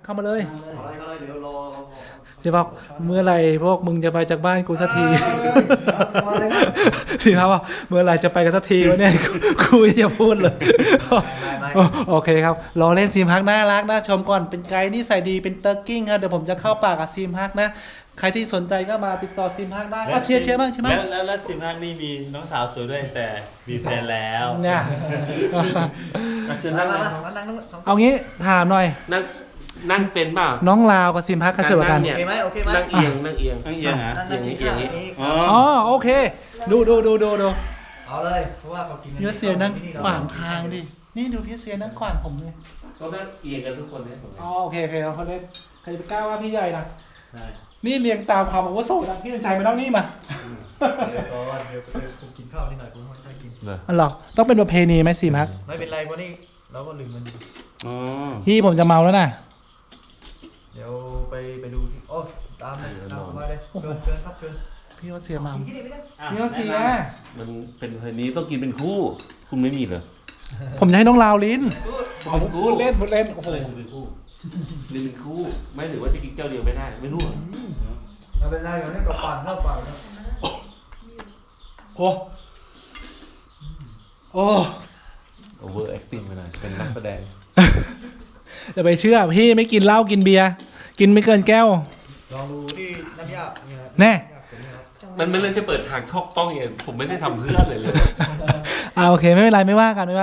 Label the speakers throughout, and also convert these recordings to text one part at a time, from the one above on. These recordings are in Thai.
Speaker 1: เข้ามาเลย
Speaker 2: อะไรก็เลยเดี๋ยวรอ
Speaker 1: เดี๋ยวบอกเมื่อไหร่พวกมึงจะไปจากบ้านกูสักที
Speaker 2: มาเลยนะ
Speaker 1: พี่ครับว่าเมื่อไหร่จะไปกันสักทีวะเนี่ยกูจะพูดเลย
Speaker 2: ไม่
Speaker 1: โอเคครับรอเล่นซีมฮักน่ารักน่าชมก่อนเป็นไกด์นี่ใส่ดีเป็นเตอร์กิ้งครับเดี๋ยวผมจะเข้าปากกับซีมฮักนะใครที่สนใจก็มาติดต่อซีมฮักได้ก็เชียร์บ้างใช่ไหม
Speaker 3: แล้วซิมฮักนี่มีน้องสาวสวยด้วยแต่มีแฟนแล้ว
Speaker 1: เนี่ย
Speaker 4: เชิญ
Speaker 2: นั่
Speaker 4: นั่
Speaker 2: ง
Speaker 4: ง
Speaker 2: นั่
Speaker 4: นะ
Speaker 2: งนั่งสอง
Speaker 1: เอางี้ถามหน่อย
Speaker 4: นั่งเป็นเปล่า
Speaker 1: น้องลาวกับซีมฮักใครสวยกว่ากัน
Speaker 4: เนี่ย
Speaker 2: โอเคไหมโอเคไหม
Speaker 4: นั่งเอียงนั่งเอียง
Speaker 3: ตั้งเอียงฮะ
Speaker 2: นั่งกินข้าวนี่
Speaker 3: อ๋อ
Speaker 1: อ๋อโอเค ดู
Speaker 2: เอาเลยเพราะว่าเขากิน
Speaker 1: พี่เสียนั่งขวางทางดินี่ดูพี่เสียนั่งขวางผมเลย
Speaker 4: เขานั่งเอียงกันทุกคนเนี่ย
Speaker 1: อ๋อโอเคเขาเล่นใครจะไปกล้าว่าพี่ใหญ่นะ
Speaker 3: ใช่
Speaker 1: นี่เรียงตามความอาวุโสนะพี่เดินชัยมานั่งนี่มา
Speaker 2: เดี๋ยวก่อนเดี๋ยวผมกินข้าวนิดหน่อยผมไม่กิน
Speaker 1: อันหรอต้องเป็นประเพณีไหมซีมฮัก
Speaker 2: ไม่เป็นไรวันนี้เราก็ลืมมัน
Speaker 3: อ๋อ
Speaker 1: พี่ผมจะเมาแล้วนะ
Speaker 2: เดี๋ยวไปดูที่โอ้ตามเลยตามสบายเลยเชิญครับเชิญ
Speaker 1: พี่ว่าเสียเมา
Speaker 2: กินที่นี่ไม่ได้
Speaker 1: พี่ว่าเสีย
Speaker 4: มันเป็นเพลงนี้ต้องกินเป็นคู่คุณไม่มีเหรอ
Speaker 1: ผมจะให้น้องลาวลิ้น
Speaker 4: พูด
Speaker 1: เล่นโอ้โห
Speaker 4: เป็นคู่นี่เป็นคู่ไม่ถือว่าจะกินเจ้าเดียวไม่ได้ไม่รู้
Speaker 2: ไม่เป็นไรเดี๋ยวนี้ก็ปั่นเข้าปั่นนะ
Speaker 1: โอ้โอ้
Speaker 4: โอเวอร์แอคติ้งไปหน่อยเป็นนักแสดง
Speaker 1: จะไปเชื่อพี่ไม่กินเหล้ากินเบียร์กินไม่เกินแก้ว
Speaker 2: ลองดูที่น้ำยาเนี่ย
Speaker 1: แน่
Speaker 4: มันไม่เล่นจะเปิดทางช่องป้องเองผมไม่ได้ทำเพื่อนเลยเลย
Speaker 1: โอเคไม่เป็นไรไม่ว่ากัน
Speaker 2: นี่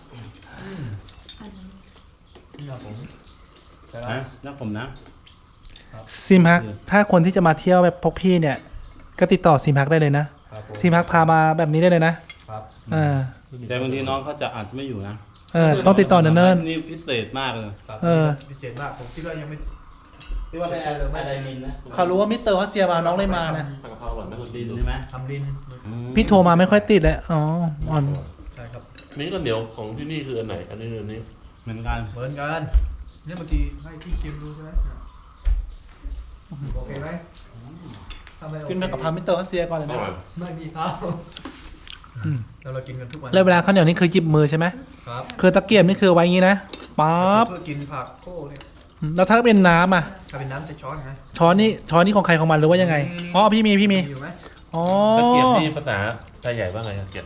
Speaker 2: ผมใช่ไหม
Speaker 3: นะนักผมนะ
Speaker 1: ซิมฮักถ้าคนที่จะมาเที่ยวแบบพวกพี่เนี่ย ก็ติดต่อซิมฮักได้เลยนะครับ
Speaker 2: ผม
Speaker 1: ซิมฮักพามาแบบนี้ได้เลยนะครับ
Speaker 3: แต่บางทีน้องเขาจะอาจจะไม่อยู่นะ
Speaker 1: ต้องติดต่อเนิ่น
Speaker 3: นี่พิเศษมากเลย
Speaker 2: ครับ
Speaker 1: เออ
Speaker 2: พิเศษมากผมคิดว่ายังไม่
Speaker 3: ที่ว่าเป็นอะไรนินนะ
Speaker 1: ๆเขารู้ว่ามิสเตอร์เขาเสียมาน้องเลยมานะ
Speaker 4: ผักกะเพราอร่อยไหมคุณ
Speaker 3: ดิ
Speaker 4: ดิ
Speaker 3: น
Speaker 4: น
Speaker 3: ใช่ไหม
Speaker 2: ทำดิน
Speaker 1: พี่โทรมาไม่ค่อยติดเลยอ๋ออ่อน
Speaker 2: ใช่ครับ
Speaker 4: นี่ก็เหนียวของที่นี่คืออันไหนอันนี้อันนี้
Speaker 3: เหมือนกัน
Speaker 2: เหมือนกันเนี่ยเมื่อกี้ให้ที่ชิมดูใช่ไหมโอเคไหมทำไมโอเค
Speaker 1: กินไปกับพามิสเตอร์เขาเสียก่อนเลย
Speaker 4: อ
Speaker 1: นะ
Speaker 4: ร่อย
Speaker 2: ไม่มีข้าวแล้วเรากินกันทุกวัน
Speaker 1: แล้วเวลาข้าวเหนียวนี่คือหยิบมือใช่ไหม
Speaker 2: ครับ
Speaker 1: คือตะเกียบนี่คือไว้อย่างนี้นะปั๊บ
Speaker 2: เพื่อกินผักโค้เนี่ย
Speaker 1: แล้วถ้าเป็นน้ำอ่ะ
Speaker 2: ถ้าเป็นน้ำจะช้อนไง
Speaker 1: ช้อนนี่ของใครของมันหรือว่ายังไงอ๋อพี่มี
Speaker 2: อยู่ไหม
Speaker 1: อ๋อ
Speaker 4: ตะเกียบนี่ภาษาไทยใหญ่ว่าไงตะเกียบ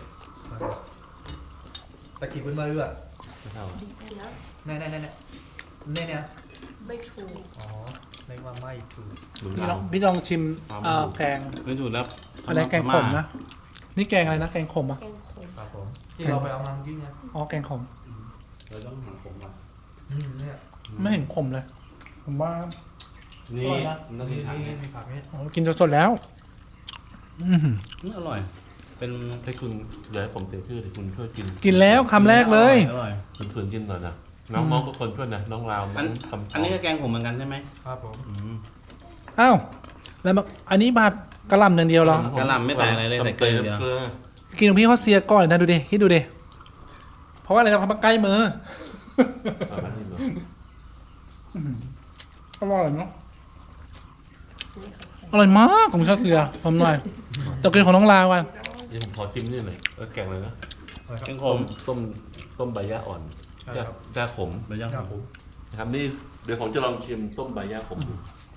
Speaker 2: ตะกี้เป็นมาเรือ
Speaker 4: ไม่เท่า
Speaker 2: เนี่ย
Speaker 5: ไม่ถูก
Speaker 2: อ๋อเรียกว่าไม่ถูก
Speaker 4: เหมือน
Speaker 1: พี่ล
Speaker 4: เรา
Speaker 1: องพี่ลองชิมแกง
Speaker 3: ไม่ถูกแล้ว
Speaker 1: อะไรแกงขมนะนี่แกงอะไรนะแกงขมอ่ะ
Speaker 5: แกงขม
Speaker 2: ครับผมที่เราไปเอามาเมื่อกี้ไง
Speaker 1: อ๋อแกงขม
Speaker 3: เราต้องหาผมก่อน
Speaker 2: เนี่ย
Speaker 1: ไม่เห็นขมเลย ผมว่า
Speaker 3: นี่
Speaker 1: อร่อยนะ
Speaker 3: ต้องกินถังเนี่ย
Speaker 2: มีผักเนี่ย
Speaker 1: อ๋อกินสดๆแล้วอื้อหือ
Speaker 3: อร่อย เป็น
Speaker 4: ให้คุณเดี๋ยวให้ผมเตียชื่อเดี๋ยวคุณช่วยกิน
Speaker 1: กินแล้วคำแรกเลย
Speaker 3: อร่อย
Speaker 4: คุณฝืนกินก่อนนะน้องก็คนช่วยนะน้องราวน้
Speaker 3: อั
Speaker 4: อน งคำ
Speaker 3: อันนี้ก็แกงผมเหมือนกันใช่ไหม
Speaker 2: ครับผม
Speaker 1: อ้าวแล้วอันนี้ผัดกระหล่ำอย่างเดียวเหรอ
Speaker 3: กะหล่ำไม่ใส่อะไรเลยแต่เกลืออย่างเดียว
Speaker 4: เกลือ
Speaker 1: กินของพี่เขาเสียก่อนนะดูดิคิดดูดิเพราะว่าอะไรเราทำมาใกล้มือ
Speaker 4: เอามาให้ดู
Speaker 1: อร่อยเนาะอร่อยมากของชาเสียผมหน่อยแต่กินของน้องลาวอ่ะ
Speaker 4: นี่ผมขอชิมนี่หน่อยแกงเลยนะ
Speaker 3: แกงขม
Speaker 4: ต้มใบย่าอ่อนย่าขม
Speaker 3: ใบย่าง
Speaker 2: ครับ
Speaker 3: ข
Speaker 2: ผม ม
Speaker 4: นะครับนี่เดี๋ยวผมจะลองชิมต้มใบย่าขมดู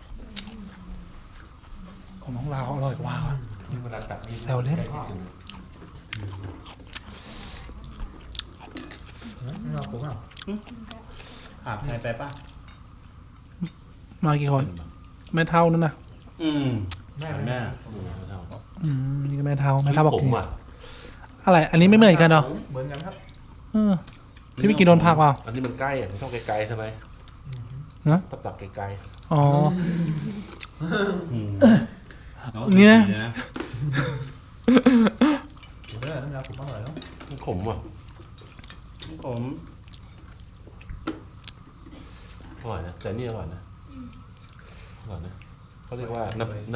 Speaker 1: ของน้องลาวอร่อยกว่าว่ะ
Speaker 4: นี่เวลาตักนี่
Speaker 1: แซวเล่น
Speaker 2: เราผมอ่ะ
Speaker 3: ขาดใครไปป่ะ
Speaker 1: มากี่คนแม่เท่านั่นนะ
Speaker 2: แม่
Speaker 3: แม่
Speaker 1: นี่ก็แม่เท่าแม่เท่าบอก
Speaker 4: ผม
Speaker 1: กิน
Speaker 4: อ่ะ
Speaker 1: อะไร อันนี้ไม่เหมือนกันเนาะ
Speaker 2: เหมือนกันครับ
Speaker 1: เออพี่ไม่กินโดนผักเปล่า
Speaker 4: อันนี้มันใกล้อ่ะมันต้องไกลๆใช่ไหม
Speaker 1: ฮะ
Speaker 4: ตักไกล
Speaker 1: อ๋อ
Speaker 3: เนี่ย
Speaker 2: เดี๋ยวน้ำยาผมอร่อยแล้ว
Speaker 4: ๆมันขมอ่ะ
Speaker 3: ผม
Speaker 4: อร่อยนะแต่นี่อร่อยนะเขาเรียกว่า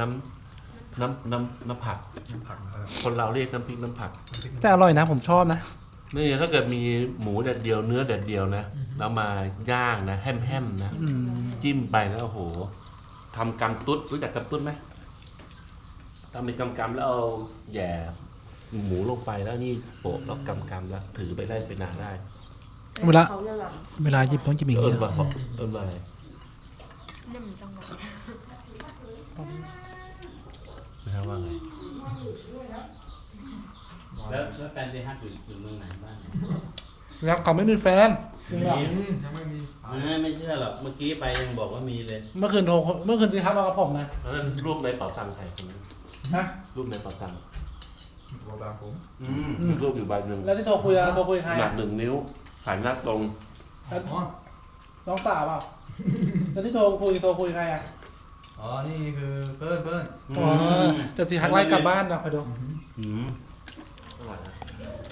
Speaker 4: น้ำผัก
Speaker 2: ผักนะครับ
Speaker 4: คนเราเรียกน้ำพริกน้ำผัก
Speaker 1: แต่อร่อยนะผมชอบนะ
Speaker 4: นี่ถ้าเกิดมีหมูแดดเดียวเนื้อแดดเดียวนะแล้วมาย่างนะแฮมๆนะ
Speaker 1: อืม
Speaker 4: จิ้มไปแล้วโอ้โหทำกำตุ๊ดรู้จักกำตุ๊ดไหมทำเป็นกำแล้วเอาแหย่หมูลงไปแล้วนี่โปะแล้วกำแล้วถือไปได้ไปนานได้
Speaker 1: เวลา
Speaker 5: เขาจะหลับ
Speaker 1: เวลาหยิบต้องหยิบอย่าง
Speaker 4: เอิ
Speaker 1: นี้
Speaker 4: ญ
Speaker 1: เหร
Speaker 4: ว่า
Speaker 1: อ
Speaker 4: เอิญว่าอะไร
Speaker 3: ก
Speaker 5: nhầm trong bọc.
Speaker 4: นะครับว่าไง
Speaker 3: แล้วแฟนที่ฮักอยู่เมืองไหนบ้าง
Speaker 1: แล้วเขาไม่มีแฟนจริงเหรอ
Speaker 2: ยังไม่มี
Speaker 3: ไม่เชื่อหรอกเมื่อกี้ไปยังบอกว่ามีเลย
Speaker 1: เมื่อคืนที่ทักมากับผมนะ
Speaker 4: แล้วนั่นรูปในเป๋าตังค์ใครคนนั้น
Speaker 1: ฮะ
Speaker 4: รูปในเป๋าตังค์
Speaker 2: ตัวตามผม
Speaker 4: มีรูปอยู่ใบหนึ่ง
Speaker 1: แล้วที่โทรคุยใคร
Speaker 4: หนั
Speaker 1: อะ
Speaker 4: ก1 นิ้วหันหน้าตรง
Speaker 2: อ๋อ
Speaker 1: น้องสาวเปล่าแล้วที่โทรคุยใครอะ
Speaker 2: อ๋อนี่คือเปิ้ล
Speaker 1: อ๋อจะสีทักไล่กลับบ้านนะคอยดู
Speaker 3: อืม
Speaker 4: อร่อยนะ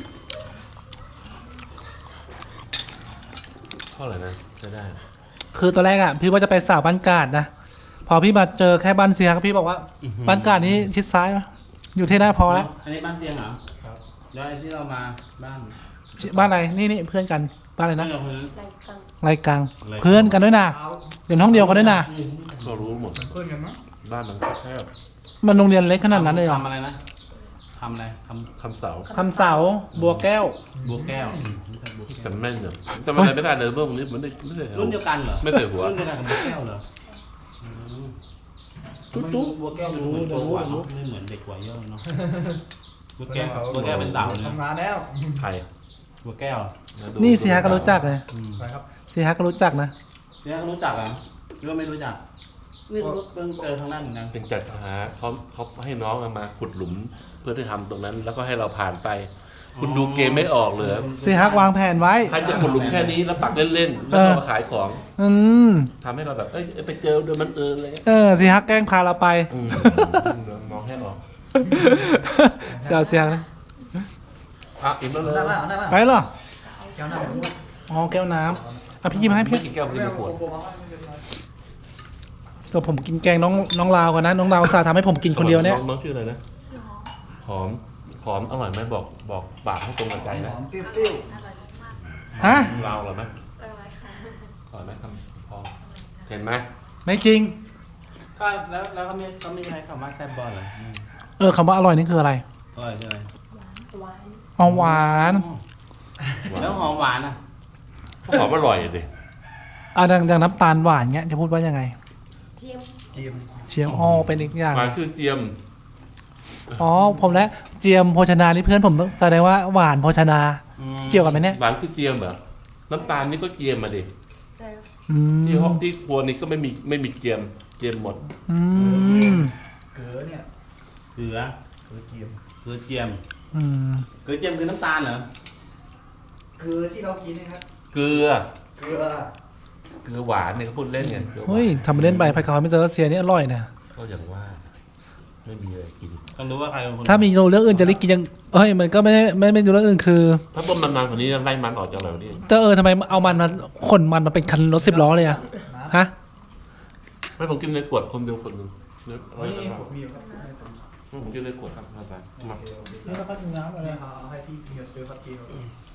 Speaker 4: เท่าไหร่นะจะได้
Speaker 1: คือตอนแรกอะพี่ว่าจะไปสาวบ้านกาดนะพอพี่มาเจอแค่บ้านเสียพี่บอกว่าบ้านกาดนี้ชิดซ้ายปะอยู่ที่หน้าพอแล้ว
Speaker 3: อันนี้บ้านเตียงเหรอ
Speaker 2: ครับ
Speaker 3: แล้วไอ้ที่เรามาบ้าน
Speaker 1: บ้านอะไรนี่เพื่อนกันบ้านอะไรนะ
Speaker 3: เพื่อนกับคนนั้น
Speaker 5: Lại căng.
Speaker 1: ไรกลางเพื่อนกันด้วยนะ
Speaker 2: เอา
Speaker 1: เรียนห้องเดียวกันด้วยนะ
Speaker 4: ก็รู้หมด
Speaker 2: เป็นเพื่อนกันมั้ง
Speaker 4: บ้านมันแคบ
Speaker 1: มันโรงเรียนเล็กขนาดนั้นเลยเหรอ
Speaker 3: ทำอะไรนะทำอะไรท
Speaker 4: คำเสา
Speaker 1: คำเสาบัวแก้ว
Speaker 3: ำบัวแก้วไม่ใช่บัวแก้ว
Speaker 4: จำแม่นเหรอจำอะไรไม่ได้เลยเรื่องนี้เหมือนไม่ใช่
Speaker 3: รุ่นเดียวกันเหรอ
Speaker 4: ไม่ใส่หัว
Speaker 3: รุ่นเดียวกันกับบัวแก้วเหรออืม
Speaker 1: ตุ๊ด
Speaker 3: บัวแก้วดูเหมือนโตกว่าเนอะไม่เหมือนเด็กกว่าเยอะเลยเนาะบัวแก้วเป็นเต่าเลยนะ
Speaker 2: ทำงานแล้ว
Speaker 4: ใคร
Speaker 3: บัวแก้ว
Speaker 1: นี่เสียก็รู้จักเลย
Speaker 3: อืม
Speaker 2: ไปครับ
Speaker 1: เสียก็รู้จักนะ
Speaker 3: เนี่ยเขารู้จักเหรอ่ะหรือว่าไม่รู้จักนี่เขาเพิ่งเจอทางนั้นเหมือนกัน
Speaker 4: เป็นจัดหาเขาให้น้องเอามาขุดหลุมเพื่อที่ทำตรงนั้น แล้วก็ให้เราผ่านไป คุณดูเกมไม่ออกเลย
Speaker 1: เสียฮักวางแผนไว้
Speaker 4: ใครจะขุดหลุมแค่นี้แล้วปักเล่นๆแล้วก็มาขายของ
Speaker 1: อืม
Speaker 4: ทำให้เราแบบเอ้ยไปเจอโดยมันอะไรเงี้ย
Speaker 1: เสียฮักแกล้งพาเราไป
Speaker 4: มองให้ออก
Speaker 1: เสียนะ
Speaker 4: อ่ะอิ่มแล้วเลย
Speaker 2: ได้ไหมได้ไหม
Speaker 1: ไปเหรอ
Speaker 2: แก้วน้ำผมด้วย
Speaker 1: อ๋อแก้วน้ำอ่ะพี่ยิ้มให้พี่
Speaker 4: ไม่กินแก้วไม่กินขวด
Speaker 1: ตัวผมกินแกงน้องลาวก่อนนะน้องลาวสาทำให้ผมกินคนเดียวเนี่ย
Speaker 4: น้องชื่ออะไรนะ
Speaker 5: Chưa hó.
Speaker 4: หอมอร่อยไหมบอกปากให้ตรงกับใจ
Speaker 2: ห
Speaker 4: นะ
Speaker 2: อมเปรี้ยว
Speaker 5: Ăn rồi đúng không?
Speaker 1: ฮะ
Speaker 4: เราอร่อยไหม
Speaker 5: Rồi khá.
Speaker 4: อร่อยไหมคำพอเห็นไหม
Speaker 1: ไม่จริง
Speaker 3: ก็แล้วเขาไม่ใช้คำว่าแซ่บบอลเหรอ
Speaker 1: คำว่าอร่อยนี่คืออะไร
Speaker 3: อร่อยใช่ไหม
Speaker 5: Quán.
Speaker 1: อ๋อหวาน
Speaker 3: แล้วหอมหวานอ่ะ
Speaker 4: หอมอร่อยดิ
Speaker 1: ดังน้ำตาลหวานเงี้ยจะพูดว่ายังไง
Speaker 5: Chiêm.
Speaker 2: ๆจีม
Speaker 1: เชียงอ๋อเป็นอีกอย่าง
Speaker 4: หวานคือเจียม
Speaker 1: อ๋อผมและเจียมโภชนานี่เพื่อนผมแสดงว่าหวานโภชนา เกี่ยวกันไหมเนี่ย
Speaker 4: หวานคือเจียมเหรอน้ำตาลนี่ก็เจียมมาดิ
Speaker 5: Đều.
Speaker 1: อืม
Speaker 4: ที่ห้องที่ครัวนี่ก็ไม่มีเจียมหมด
Speaker 1: อืม
Speaker 2: เกลือเนี่ย
Speaker 3: เกลือ
Speaker 2: เกลือเจียม
Speaker 3: เกลือเจียม
Speaker 1: อืม
Speaker 3: เกลือเจียมคือน้ำตาลเหรอ
Speaker 2: เกลือที่เรากินนะครับ
Speaker 4: เกลือ
Speaker 2: เกลือ
Speaker 4: เกลือหวานเนี่ยเขาพูดเล่นไงกลือหวาน
Speaker 1: เฮ้ยทำไปเล่นไปผัดกะเพราไม่เจอเสียนี่อร่อยนะ
Speaker 4: ก็อย่างว่า ไม่มีอะไรกิน
Speaker 3: ต้องรู้ว่าใครเป็นคน
Speaker 1: ถ้ามีเรื่องอื่นจะรีกินยังมันก็ไม่ดูเรื่องอื่นคือ
Speaker 4: ถ้าต้มนานๆกว่านี้ไล่มันออกจากเราดิ
Speaker 1: แต่ทำไมเอามันมาขนมันมาเป็นคันรถ10 ล้อเลยอะฮะ
Speaker 4: ไม่ผมกินในขวดคนเดียวคนหนึ่งเนื้อ
Speaker 2: นี่ผมมีอยู่ครับ
Speaker 4: ผมกินในขวดครับมา
Speaker 2: โอเคโอเค
Speaker 1: นี่เราก็กินน้ำอะไร
Speaker 2: นี่เอาให้พี่เฮียซื้อครับพี่ครับ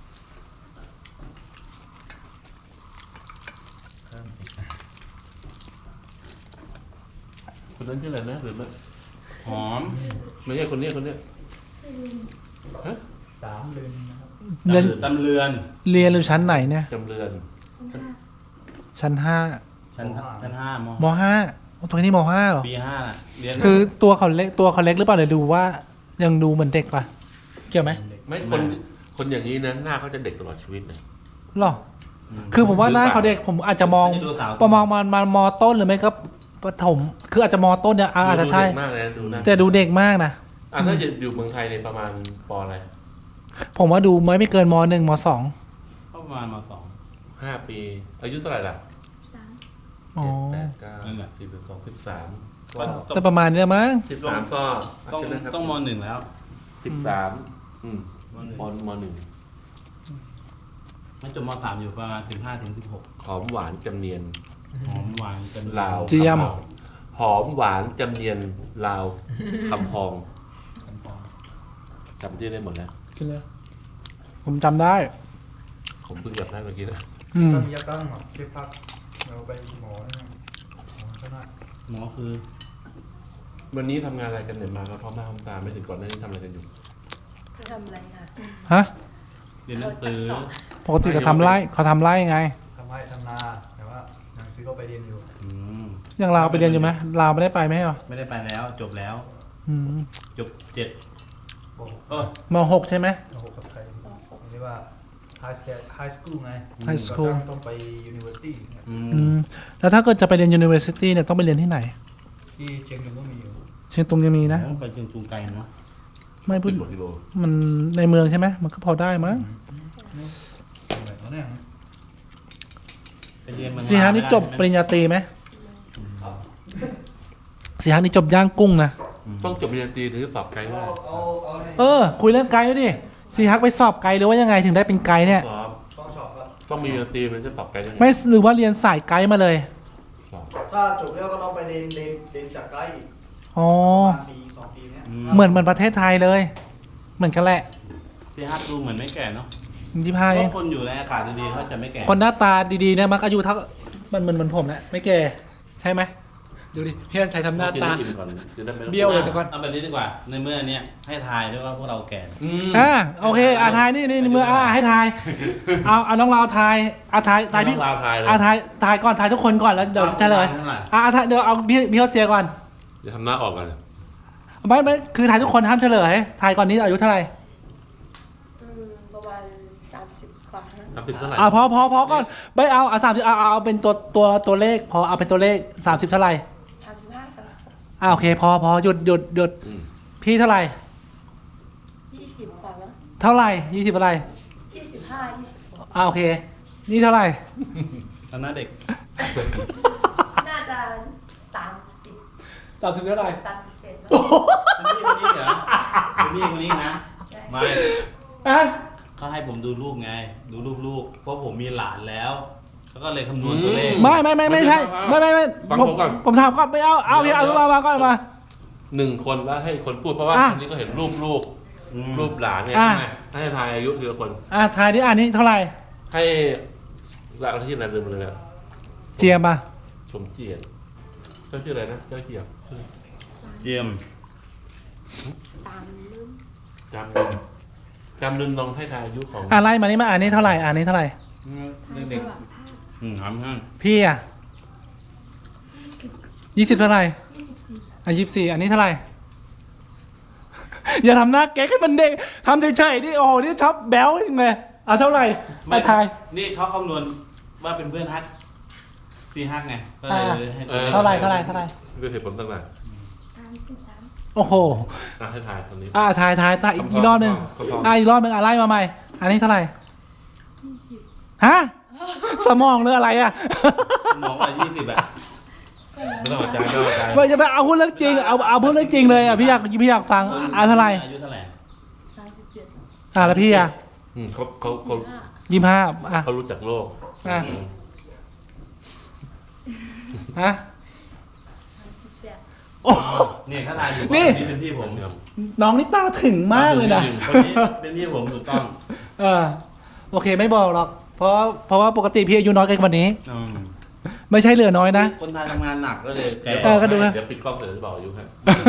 Speaker 4: คนนั้นชื่ออะไรนะหรือไม่
Speaker 3: หอม
Speaker 4: ไม่ใช่คนนี้ฮะ
Speaker 2: 3 ลืมนะครับ
Speaker 1: เรียน
Speaker 3: ตำเรือน
Speaker 1: เรียนอยู่ชั้นไหนเนี่ย
Speaker 4: จำเรือน
Speaker 1: ชั้น
Speaker 3: ชั้นห้าม
Speaker 1: 5ม5ตัวนี้ม5เหรอ
Speaker 3: ปีห้าน่ะเรียน
Speaker 1: คือตัวเขาเล็กหรือเปล่าเดี๋ยวดูว่ายังดูเหมือนเด็กปะเกี่ยวไหม
Speaker 4: ไม่คนอย่างนี้นะหน้าเขาจะเด็กตลอดชีวิตเลย
Speaker 1: หรอคือผมว่าหน้าเขาเด็กผมอาจจะมองประมาณมต้นหรือไม่ก็ประถมคืออาจจะมต้นเนี่ยอาจจะใช่
Speaker 4: ดูเด็กมากเลยนะดูนะ
Speaker 1: แต่ดูเด็กมากนะ
Speaker 4: ถ้าอยู่เมืองไทยในประมาณปอะไร
Speaker 1: ผมว่าดูไม่เกินม1ม2
Speaker 3: ก็ประมาณมสอง
Speaker 4: 5 ปี อายุเท่าไหร่ล่ะ
Speaker 5: 13.
Speaker 1: อ๋อ
Speaker 4: 7 8 9 10 12 13
Speaker 1: แต่ประมาณเนี้ยมั้ง
Speaker 4: 13ก็
Speaker 3: ต้องมหนึ่งแล้ว
Speaker 4: 13ม1
Speaker 3: มันจบมสามอยู่ประมาณ15 ถึง 16
Speaker 4: หอมหวานจำเนียน
Speaker 3: หอมหวานกัน
Speaker 4: ลาว
Speaker 1: เจียม
Speaker 4: หอมหวานจำเนียนลาวคำพองจำชื่อได้หมดแล้ว
Speaker 1: ผมจำได้
Speaker 4: ผมเพิ่งจับได้เมื่อกี้นะ
Speaker 2: ต้องยักตั้งหรอเช็คพักเราไปหมอนะครับหมอก็ได้
Speaker 3: หมอคือ
Speaker 4: วันนี้ทำงานอะไรกันเนี่ยมาก็พร้อมหน้าพร้อมตาไม่ถึงก่อนหน้านี้ทำอะไรกันอยู่
Speaker 5: Tôi làm lại hả?
Speaker 1: ฮะ
Speaker 3: เรียนหนังสือ
Speaker 1: ปกติเขาทำไร่ไง
Speaker 2: ทำไร่ทำนาแต่ว่าหนังสือก็ไปเรียนอยู่
Speaker 3: อืม
Speaker 1: อย่างลาวไปเรียนอยู่ไหมลาวไม่ได้ไปไหมเหรอ
Speaker 3: ไม่ได้ไปแล้วจบแล้ว
Speaker 1: อืม
Speaker 3: จบ7เออ
Speaker 1: มหกใช่ไหม
Speaker 2: โอ้โหกับไทยเรียกว่า high school ไง
Speaker 1: High school
Speaker 2: ต้องไป university เนี่ย
Speaker 1: อืมแล้วถ้าเกิดจะไปเรียน university เนี่ยต้องไปเรียนที่ไหน
Speaker 2: ที่เชียงรายก็มีอยู่
Speaker 1: เชียงตุงยังมีนะ
Speaker 3: ต้องไปเชียงตุงไกลเนาะ
Speaker 1: ไม่พูด
Speaker 4: 10 กว่ากิโล
Speaker 1: มันในเมืองใช่ไหมมันก็พอได้มั้ง
Speaker 2: แบบนั้นเนี่ย
Speaker 3: ไปเรียนเมือง
Speaker 1: สีฮานี่จบปริญญาตรีไหมสีฮานี่จบย่างกุ้งนะ
Speaker 4: ต้องจบปริญญาตรีถึงจะสอบไกด์ได้
Speaker 1: คุยเรื่องไกด์ด้วยดิสีฮักไปสอบไกด์หรือว่ายังไงถึงได้เป็นไกด์เนี่ย
Speaker 4: สอบ
Speaker 2: ต้องสอบครับ
Speaker 4: ต้องมีปริญญาตรีมันจะสอบไกด์ได้ไง
Speaker 1: ไม่หรือว่าเรียนสายไกด์มาเลย
Speaker 4: สอบ
Speaker 2: ถ้าจบแล้วก็ต้องไปเรียนจากไกด์อีก
Speaker 1: อ๋อ
Speaker 2: ประมาณปี2 ปีเนี้ย
Speaker 1: เหมือนประเทศไทยเลย เหมือนกันแหละ
Speaker 3: พี่ฮัทดูเหมือนไม่แก่เนาะ
Speaker 1: ยี่ห้า
Speaker 3: เพ
Speaker 1: เอง
Speaker 3: ราะคนอยู่ในอากาศดีๆเขาจะไม่แก่
Speaker 1: คนหน้าตาดีๆเนี่ยมักอายุเท่ามันเหมือนผมแหละไม่แก่ใช่ไหมดูดิพี่อันชัยทำหน้าตา
Speaker 4: กินให้อิ่มก่อนจะได้ไม่ต้อง
Speaker 1: เบี้ยวเลยดี๋วก่อน
Speaker 3: เอาแบบนี้ดีกว่าในเมื่อเนี้ยให้ทายด้วยว่าพวกเราแก่
Speaker 4: อืม
Speaker 1: โอเคทายนี่เมื่อให้ทายเอาน้องเราทายทายพี่
Speaker 4: ต้องลาทายเลย
Speaker 1: ทายก่อนทายทุกคนก่อนแล้วเดี๋ยวเฉลย
Speaker 3: เท่าไหร่
Speaker 1: ทายเดี๋ยวเอาพี่เขาเสียก่อน
Speaker 4: เดี๋ยวทำหน้าออกกัน
Speaker 1: ไม่คือทายทุกคนห้ามเฉลยทายก่อนนี้อายุเท่าไหร่
Speaker 5: ประมาณ30 กว่านะ
Speaker 4: 30 เท่าไหร่
Speaker 1: พอก่อนไม่เอา30เอาเป็นตัวเลขพอเอาเป็นตัวเลข30เท่าไหร่
Speaker 5: 35
Speaker 1: โอเคพอหยุด
Speaker 4: อืม
Speaker 1: พี่เท่าไหร่
Speaker 5: 20 กว่าแล้ว
Speaker 1: เท่าไหร่20อะไร
Speaker 5: 25 26
Speaker 1: โอเค นี่เท่าไหร่
Speaker 3: ตอนนั้นเด็ก
Speaker 5: น่าจะ30
Speaker 1: 30เท่าไหร่
Speaker 5: 37แล้ว
Speaker 3: เป็นพี่คนนี้เหรอเป็นพี่คนนี้นะไม่
Speaker 1: อ่ะ
Speaker 3: เขาให้ผมดูรูปไง ดูรูปลูกเพราะผมมีหลานแล้วเขาก็เลยคำนวณตัวเลข
Speaker 1: ไม่ใช่ไม่
Speaker 4: ฟังผมก่อน
Speaker 1: ผมถามก่อนไม่เอาพี่เอามาก่อนมา
Speaker 4: 1 คนแล้วให้คนพูดเพราะว่าคนนี้ก็เห็นรูปลูก รูปหลานไง
Speaker 1: อ่ะ
Speaker 4: ใช่ไหมให้ทายอายุทีละคน
Speaker 1: ทายดินี้เท่าไหร่
Speaker 4: ให้หลักที่ไหนลืมเลยนะ
Speaker 1: เจียมป่ะ
Speaker 4: สมเจียรติเจ้าชื่ออะไรนะเจ้าเจียรติ
Speaker 3: เยี่ยม
Speaker 5: ตามลืม
Speaker 4: จำลืมลองให้ทายอายุของ
Speaker 1: ไล่มานี่มานี้เท่าไหร่นี้เท่าไหร่
Speaker 3: เด็กถามท่าน
Speaker 1: พี่อ่ะ20เท่าไหร่
Speaker 5: 24
Speaker 1: 24อันนี้เท่าไหร่ อย่าทำหน้าแก๊กให้มันเด็กทำเฉยๆดิโอ้นี่ชอบแบ๊วยังไงเท่าไหร่มาทาย นี่
Speaker 3: นี่เขาคำนวณว่าเป็นเพื่อนฮักซีฮักไงก็เลยให้ตัวลข
Speaker 1: เท่าไหร่
Speaker 4: ด้วยเหตุผลต่าง
Speaker 5: 33
Speaker 1: โอ้โห
Speaker 4: ๆให้ทายตรงนี้
Speaker 1: ทายอีกรอบหนึ่ง อีกรอบหนึ่งไล่มาใหม่อันนี้เท่าไหร่
Speaker 5: 20
Speaker 1: ฮะสมองหรืออะไรอ่ะ
Speaker 3: มองว่า20แบบ
Speaker 4: ไม่ต้องเอาใจไม่ต้องเอาใจ
Speaker 1: ไม่จะไปเอาพูดเรื่องจริงเอาพูดเรื่องจริงเลยพี่อยากฟังเท่าไหร่
Speaker 3: อายุเท่าไหร่
Speaker 5: 37
Speaker 1: แล้วพี่อ่ะ
Speaker 4: เขา
Speaker 1: 25
Speaker 4: เขารู้จักโลก
Speaker 1: ฮะ
Speaker 5: 38
Speaker 1: โอ้
Speaker 3: เนี่ยถ้าทายอยู่
Speaker 1: นี่
Speaker 3: นี่เป็นพี่ผม
Speaker 1: น้องนี่ตาถึงมากเลยนะ
Speaker 3: คนนี้เป็นพี่ผมถูกต้อง
Speaker 1: โอเคไม่บอกหรอกเพราะว่าปกติพี่อายุน้อยกันกว่านี้
Speaker 3: อืม
Speaker 1: ไม่ใช่เหลือน้อยนะ
Speaker 3: คนไทยทำงานหนักก็เลยแก่
Speaker 1: ก็ดูนะ
Speaker 4: เดี๋ยวปิดกล้องเสร็จจะบอกอายุให้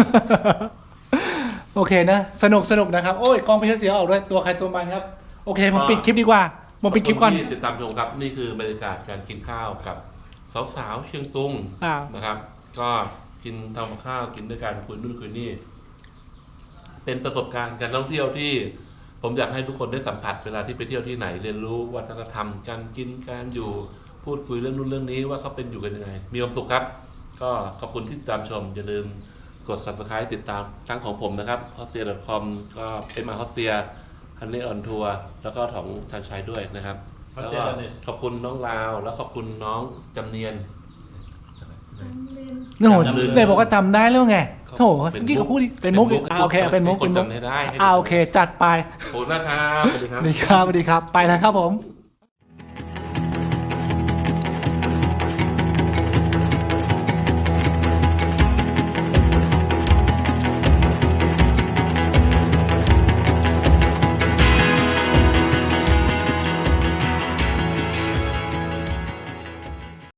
Speaker 1: โอเคนะสนุกนะครับ โอ้ยกล้องพี่เสียออกด้วยตัวใครตัวมันครับ โอเคผมปิดคลิปดีกว่าผมปิดคลิปก่อน
Speaker 4: ขบณที่ติดตามชมครับนี่คือบรรยากาศการกินข้าวกับสาวๆเชียงตุง นะครับ ก็กินทำกับข้าวกินด้วยกันคุยนู่นคุยนี่ เป็นประสบการณ์การท่องเที่ยวที่ ผมอยากให้ทุกคนได้สัมผัสเวลาที่ไปเที่ยวที่ไหน เรียนรู้วัฒนธรรมการกินการอยู่พูดคุยเรื่องนู้นเรื่องนี้ว่าเขาเป็นอยู่กันยังไง มีความสุขครับ ก็ขอบคุณที่ติดตามชม อย่าลืมกด subscribe ติดตามทั้งของผมนะครับ hotsia.com ก็เป็นมา hotsia Honey on Tour แล้วก็ของทันชัยด้วยนะครับแล้วก็ขอบคุณน้องลาวแล้วขอบคุณน้องจำเนียน
Speaker 1: เรื่องของเลยบอกว่าจำได้แล้วไงโถเมื่อกี้เขาพูดเป็นมุกอีกโอเคเป็นมุก
Speaker 4: ให้คนจำให้ได้ให้
Speaker 1: โอเคจัดไป
Speaker 4: ขอบคุณนะครับสวัสดีครับ
Speaker 1: สวัสดีครับไปแล้วครับผม